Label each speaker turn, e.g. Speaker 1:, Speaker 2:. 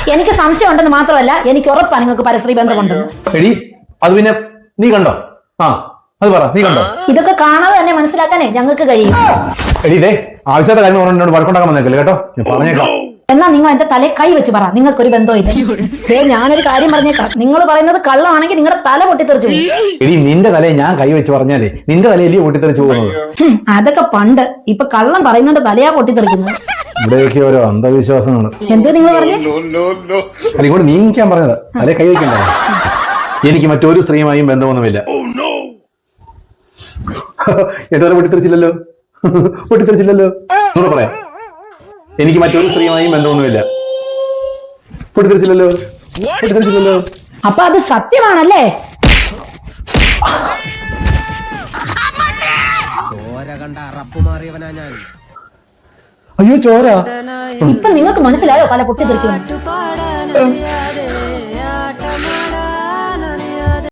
Speaker 1: എനിക്ക് സംശയം ഉണ്ടെന്ന് മാത്രമല്ല എനിക്ക് ഉറപ്പാണ് നിങ്ങൾക്ക് പരസ്ത്രീ ബന്ധമുണ്ടെന്ന്.
Speaker 2: എടി അത് പിന്നെ നീ കണ്ടോ? ആ അത് പറ, നീ കണ്ടോ?
Speaker 1: ഇതൊക്കെ കാണാതെ തന്നെ മനസ്സിലാക്കാനേ ഞങ്ങൾക്ക് കഴിയും.
Speaker 2: എടി ഇതേ ആവശ്യത്തെ കാര്യം എന്നോട് വഴക്കുണ്ടാക്കാൻ വന്നേക്കല്ലേ കേട്ടോ, ഞാൻ പറഞ്ഞേക്കാം.
Speaker 1: എന്നാ നിങ്ങൾ എന്റെ തലേ കൈ വെച്ച് പറ നിങ്ങൾക്കൊരു ബന്ധമില്ല. ഞാനൊരു കാര്യം പറഞ്ഞേക്കാം, നിങ്ങൾ പറയുന്നത് കള്ളമാണെങ്കിൽ നിങ്ങളുടെ തല പൊട്ടിത്തെറിച്ചു പോകും.
Speaker 2: എടി നിന്റെ തലയെ ഞാൻ കൈ വെച്ച് പറഞ്ഞാലേ നിന്റെ തലയിലേ പൊട്ടിത്തെറിച്ചു പോകുന്നത്.
Speaker 1: അതൊക്കെ പണ്ട്, ഇപ്പൊ കള്ളം പറയുന്നതിന്റെ തലയാ പൊട്ടിത്തെറിക്കുന്നത്.
Speaker 2: ഇവിടെയൊക്കെ ഓരോ അന്ധവിശ്വാസമാണ്.
Speaker 1: എന്ത് നിങ്ങൾ പറഞ്ഞു?
Speaker 2: അതിങ്ങോട്ട് നീങ്ങിക്കാൻ പറഞ്ഞത്, തലേ കൈ വെക്കണ്ട. എനിക്ക് മറ്റൊരു സ്ത്രീയുമായും ബന്ധമൊന്നുമില്ല. എന്റെ പൊട്ടിത്തെറിച്ചില്ലല്ലോ, പൊട്ടിത്തെറിച്ചില്ലല്ലോ. എന്നോട് പറയാം, എനിക്ക് മറ്റൊരു സ്ത്രീയുമായും ബന്ധമൊന്നുമില്ല. പൊട്ടിത്തെറിച്ചില്ലല്ലോ, പൊട്ടിത്തെറിച്ചില്ലല്ലോ.
Speaker 1: അപ്പൊ അത് സത്യമാണല്ലേ?
Speaker 2: അയ്യോ ചോര.
Speaker 1: ഇപ്പൊ നിങ്ങൾക്ക് മനസ്സിലായോ പല പൊട്ടിത്തെറിക്കുന്നു?